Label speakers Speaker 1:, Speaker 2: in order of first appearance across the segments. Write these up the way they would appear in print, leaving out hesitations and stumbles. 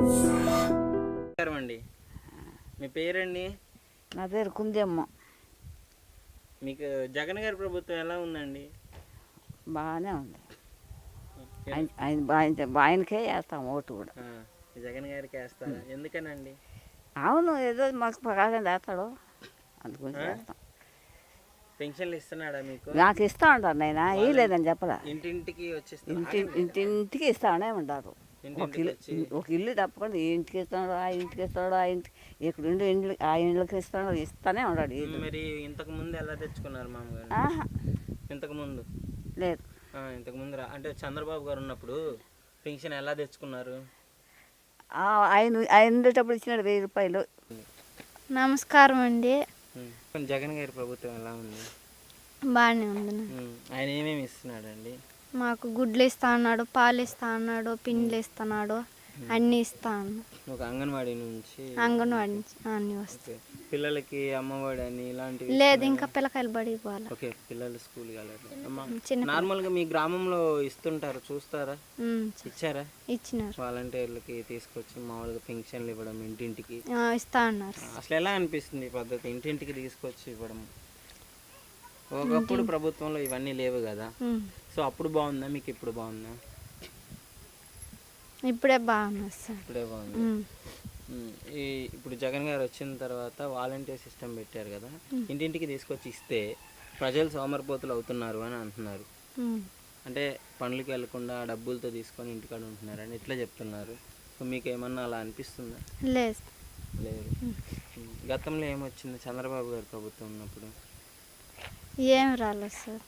Speaker 1: అండి, మీ పేరండి?
Speaker 2: నా పేరు కుందేమ్మ.
Speaker 1: మీకు జగన్ గారి ప్రభుత్వం ఎలా ఉందండి?
Speaker 2: బాగానే ఉంది. ఆయనకే వేస్తాం ఓటు కూడా.
Speaker 1: జగన్ గారికి వేస్తారా? ఎందుకనండి?
Speaker 2: అవును, ఏదో మాకు ప్రకాశం వేస్తాడు, అందుగురించి వేస్తాం.
Speaker 1: పెన్షన్లు ఇస్తున్నాడా మీకు?
Speaker 2: నాకు ఇస్తా ఉంటారు, నేను ఇవ్వలేదని చెప్పరా.
Speaker 1: ఇంటింటికి వచ్చేసి
Speaker 2: ఇంటింటికి ఇస్తానే ఉంటారు. ఒక ఇల్లు తప్పకుండా ఈ ఇంటికి ఇస్తాడు, ఆ ఇంటికి ఇస్తాడు, ఆ ఇంటికి ఇక్కడ ఇండ్లు ఆ ఇండ్లకి ఇస్తాడు, ఇస్తానే ఉన్నాడు.
Speaker 1: మరి ఇంతకు ముందు ఎలా తెచ్చుకున్నారు మామగారు? ఇంతకు ముందు
Speaker 2: లేదు.
Speaker 1: ఇంతకు ముందు అంటే చంద్రబాబు గారు ఉన్నప్పుడు పెన్షన్ ఎలా తెచ్చుకున్నారు?
Speaker 2: ఆయన ఉండేటప్పుడు ఇచ్చినాడు 1000 రూపాయలు.
Speaker 3: నమస్కారం అండి.
Speaker 1: జగన్ గారి ప్రభుత్వం ఎలా ఉంది?
Speaker 3: బాగానే ఉంది.
Speaker 1: ఆయన ఏమేమి ఇస్తున్నాడు అండి?
Speaker 3: మాకు గుడ్లు ఇస్తా అన్నాడు, పాలు ఇస్తా అన్నాడు, పిండిలు ఇస్తున్నాడు, అన్నీ ఇస్తా అన్నాడు.
Speaker 1: ఒక అంగన్వాడీ నుంచి
Speaker 3: అన్నీ వస్తాయి.
Speaker 1: పిల్లలకి అమ్మఒడి అని ఇలాంటివి
Speaker 3: లేదు, ఇంకా పిల్లకాయలు బడికి పోవాలి.
Speaker 1: ఓకే, పిల్లలు స్కూల్ నార్మల్ గా మీ గ్రామంలో ఇస్తుంటారు, చూస్తారా? ఇచ్చారా?
Speaker 3: ఇచ్చినారు.
Speaker 1: వాలంటీర్లకి తీసుకొచ్చి మామూలుగా పెన్షన్లు ఇవ్వడం ఇంటింటికి
Speaker 3: ఇస్తా అన్నారు.
Speaker 1: అసలు ఎలా అనిపిస్తుంది ఈ పద్ధతి, ఇంటింటికి తీసుకొచ్చి ఇవ్వడం? ఒకప్పుడు ప్రభుత్వంలో ఇవన్నీ లేవు కదా, సో అప్పుడు బాగుందా, మీకు ఇప్పుడు బాగుందా?
Speaker 3: ఇప్పుడే బాగుంది సార్.
Speaker 1: ఇప్పుడే బాగుంది. ఇప్పుడు జగన్ గారు వచ్చిన తర్వాత వాలంటీర్ సిస్టమ్ పెట్టారు కదా, ఇంటింటికి తీసుకొచ్చి ఇస్తే ప్రజలు సోమరిపోతులు అవుతున్నారు అని అంటున్నారు. అంటే పనులకి వెళ్లకుండా డబ్బులతో తీసుకొని ఇంటికాడ ఉంటున్నారు అని ఇట్లా చెప్తున్నారు. సో మీకు ఏమన్నా అలా అనిపిస్తుందా?
Speaker 3: లేదు.
Speaker 1: లేదు. గతంలో ఏమొచ్చింది చంద్రబాబు గారి ప్రభుత్వం ఉన్నప్పుడు?
Speaker 3: ఏం రాలేదు సార్.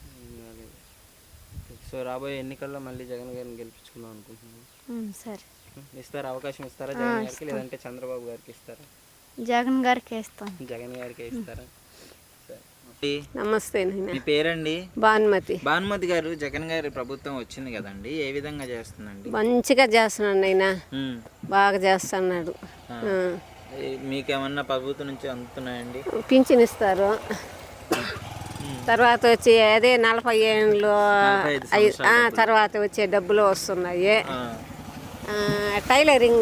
Speaker 1: సో రాబోయే ఎన్నికల్లో మళ్ళీ జగన్ గారిని గెలిపించుకుందాం అనుకుంటున్నాను.
Speaker 3: సరే,
Speaker 1: ఇస్తారా? అవకాశం ఇస్తారా జగన్ గారికి, లేదంటే చంద్రబాబు గారికి ఇస్తారా?
Speaker 3: జగన్ గారికి ఇస్తాం.
Speaker 1: జగన్ గారికి ఇస్తారా?
Speaker 4: నమస్తే.
Speaker 1: మీ పేరండి?
Speaker 4: భానుమతి.
Speaker 1: భానుమతి గారు, జగన్ గారి ప్రభుత్వం వచ్చింది కదండి, ఏ విధంగా చేస్తుందండి?
Speaker 4: మంచిగా చేస్తున్నాడు ఆయన, బాగా చేస్తున్నాడు.
Speaker 1: మీకేమన్నా ప్రభుత్వం నుంచి అందుతున్నాయండి?
Speaker 4: పింఛన్ ఇస్తారు, తర్వాత వచ్చి అదే 40 ఏళ్ళు తర్వాత వచ్చే డబ్బులు వస్తున్నాయి. టైలరింగ్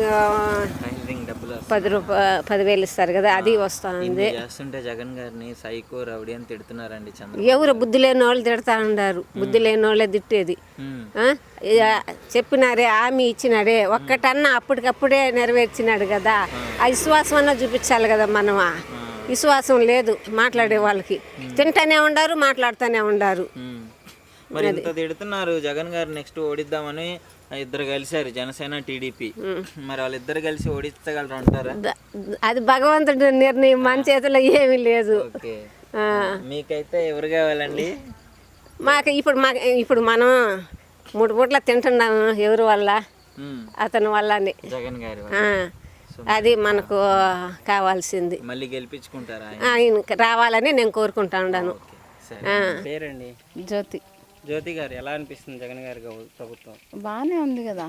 Speaker 4: 10,000 ఇస్తారు కదా, అది వస్తుంది.
Speaker 1: చేస్తుంటే జగన్ గారిని సైకో రౌడీ అని తిడుతున్నారండి.
Speaker 4: ఎవరు బుద్ధి లేని వాళ్ళు తిడతా ఉన్నారు, బుద్ధి లేని వాళ్ళే తిట్టేది. చెప్పినారే, హామీ ఇచ్చినాడే, ఒక్కటన్నా అప్పటికప్పుడే నెరవేర్చినాడు కదా, ఆ విశ్వాసం అన్నా చూపించాలి కదా. మనం విశ్వాసం లేదు మాట్లాడే వాళ్ళకి, తింటానే ఉండారు, మాట్లాడుతూనే ఉండారు.
Speaker 1: మరి ఇంత తిడుతున్నారు జగన్ గారు, నెక్స్ట్ ఓడిద్దామని ఇద్దరు కలిసారు, జనసేన టీడీపీ. మరి వాళ్ళిద్దరు కలిసి ఓడించగలరు అంటారా?
Speaker 4: అది భగవంతుడి నిర్ణయం, మన చేతిలో ఏమీ లేదు.
Speaker 1: మీకైతే ఎవరు కావాలండి?
Speaker 4: మాకు ఇప్పుడు మనం 3 పూట్ల తింటున్నాము, ఎవరి వల్ల? అతని వల్లనే,
Speaker 1: జగన్ గారి.
Speaker 4: అది మనకు కావాల్సింది.
Speaker 1: మళ్ళీ గెలిపించుకుంటారా?
Speaker 4: ఆయన రావాలని నేను కోరుకుంటా ఉన్నాను.
Speaker 1: పేరండి?
Speaker 2: జ్యోతి.
Speaker 1: జ్యోతి గారు, ఎలా అనిపిస్తుంది జగన్ గారి ప్రభుత్వం?
Speaker 2: బాగానే ఉంది కదా,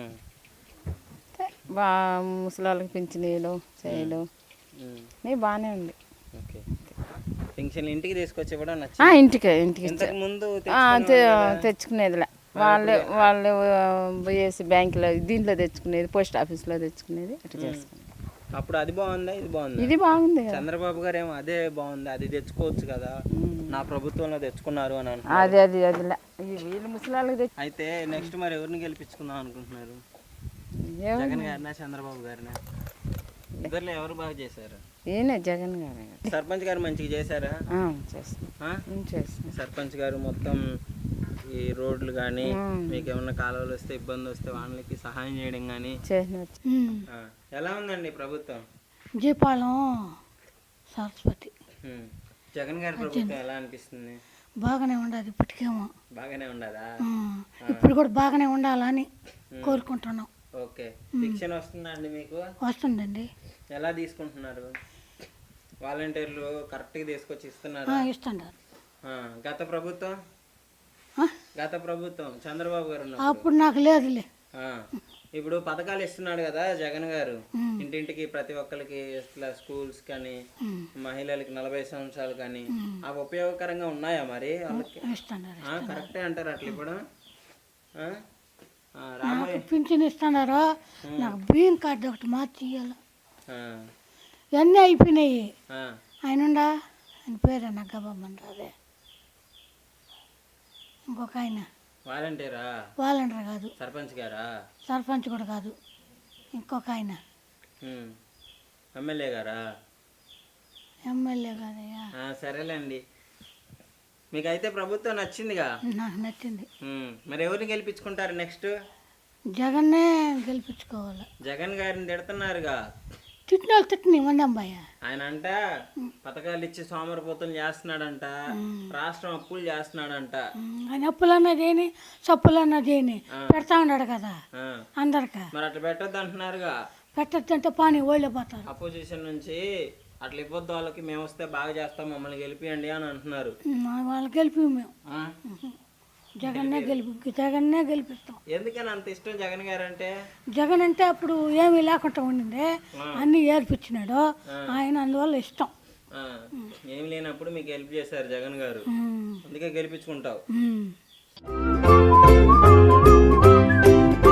Speaker 2: ముసలాళ్ళకి పింఛనీలు చేయలు బాగానే ఉంది.
Speaker 1: ఓకే, పెన్షన్ ఇంటికి తీసుకొచ్చి కూడా
Speaker 2: ఇంటికి
Speaker 1: ముందు
Speaker 2: తెచ్చుకునేదిలే, వాళ్ళు పోయేసి బ్యాంకులో దీంట్లో తెచ్చుకునేది, పోస్ట్ ఆఫీస్లో తెచ్చుకునేది, అట్లా చేసుకునేది.
Speaker 1: అప్పుడు అది బాగుందా, ఇది బాగుంది?
Speaker 2: ఇది బాగుంది.
Speaker 1: చంద్రబాబు గారు ఏమో అదే బాగుంది, అది తెచ్చుకోవచ్చు కదా, నా ప్రభుత్వంలో తెచ్చుకున్నారు అని
Speaker 2: అది వీళ్ళు ముసలాళ్ళకి.
Speaker 1: అయితే నెక్స్ట్ మరి ఎవరిని గెలిపించుకుందాం అనుకుంటున్నారు? జగన్ గారినా చంద్రబాబు గారినా? ఇద్దరులో ఎవరు బాగా చేశారు?
Speaker 2: ఈయన జగన్ గారు.
Speaker 1: సర్పంచ్ గారు మంచిగా చేశారా? సర్పంచ్ గారు మొత్తం ఈ రోడ్లు కానీ, మీకు ఏమన్నా కాలువలు వస్తే, ఇబ్బంది వస్తే వాళ్ళకి సహాయం చేయడం కానీ ఎలా ఉందండి ప్రభుత్వం?
Speaker 5: జీపాలం సరస్వతి.
Speaker 1: జగన్ గారి ప్రభుత్వం ఎలా అనిపిస్తుంది?
Speaker 5: బాగానే ఉండదు, ఇప్పటికేమో
Speaker 1: బాగానే ఉండదా?
Speaker 5: ఇప్పుడు కూడా బాగానే ఉండాలని కోరుకుంటున్నాం.
Speaker 1: ఓకే, శిక్షణ వస్తుందా అండి మీకు?
Speaker 5: వస్తుందండి.
Speaker 1: ఎలా తీసుకుంటున్నారు? వాలంటీర్లు కరెక్ట్గా తీసుకొచ్చి ఇస్తున్నారు?
Speaker 5: ఇస్తున్నారు.
Speaker 1: గత ప్రభుత్వం చంద్రబాబు గారు
Speaker 5: అప్పుడు నాకు లేదులే.
Speaker 1: ఇప్పుడు పథకాలు ఇస్తున్నాడు కదా జగన్ గారు, ఇంటింటికి ప్రతి ఒక్కరికి, ఇట్లా స్కూల్స్ కానీ, మహిళలకి 40 సంవత్సరాలు కానీ, అవి ఉపయోగకరంగా ఉన్నాయా మరి వాళ్ళకి? కరెక్టే అంటారు అట్లా ఇప్పుడు? రాబోయే
Speaker 5: నాకు పింఛన్ ఇస్తున్నారు, నాకు బియ్యం కార్డు ఒకటి మార్చి ఇవ్వాలి.
Speaker 1: ఆ,
Speaker 5: ఇవన్నీ అయిపోయినాయి.
Speaker 1: ఆ,
Speaker 5: ఆయన ఉండా, ఆయన పేరు నగ్గబాబు అదే ఇంకొక ఆయన
Speaker 1: వాలంటీరా,
Speaker 5: వాలంటీర్ కాదు,
Speaker 1: సర్పంచ్ గారా,
Speaker 5: సర్పంచ్ కూడా కాదు, ఇంకొక ఆయన
Speaker 1: ఎమ్మెల్యే గారా?
Speaker 5: ఎమ్మెల్యే కాదయ్యా.
Speaker 1: సరేలేండి, మీకైతే ప్రభుత్వం నచ్చిందిగా.
Speaker 5: నాకు నచ్చింది.
Speaker 1: మరి ఎవరిని గెలిపించుకుంటారు నెక్స్ట్?
Speaker 5: జగన్నే గెలిపించుకోవాలి.
Speaker 1: జగన్ గారిని తిడుతున్నారుగా.
Speaker 5: తిట్టిన వాళ్ళు తిట్టిన ఇవ్వండి అమ్మాయ.
Speaker 1: ఆయన అంట పథకాలు ఇచ్చి సోమరిపోతులు చేస్తున్నాడంట, రాష్ట్రం అప్పులు చేస్తున్నాడంట.
Speaker 5: ఆయన అప్పులు అన్నది ఏని, సప్పులు అన్నది ఏని పెడతా ఉన్నాడు కదా
Speaker 1: ఆ,
Speaker 5: అందరికా.
Speaker 1: మరి అట్లా పెట్టొద్దు అంటున్నారుగా.
Speaker 5: పెట్టద్దంటే పాని ఓళ్ళిపోతారు.
Speaker 1: అపోజిషన్ నుంచి అట్లా ఇవ్వద్దు, వాళ్ళకి మేము వస్తే బాగా చేస్తాం, మమ్మల్ని గెలిపియండి అని అంటున్నారు.
Speaker 5: వాళ్ళు గెలిపి మేము
Speaker 1: ఆ?
Speaker 5: జగన్నే గెలిపిస్తాం.
Speaker 1: ఎందుకని అంత ఇష్టం జగన్ గారు అంటే?
Speaker 5: జగన్ అంటే అప్పుడు ఏమీ లేకుండా ఉండింది, అన్నీ ఏర్పించినాడు ఆయన, అందువల్ల ఇష్టం.
Speaker 1: ఆ, ఏం లేనప్పుడు మీకు హెల్ప్ చేశారు జగన్ గారు, అందుకే గెలిపించుకుంటావు.
Speaker 5: ఉమ్.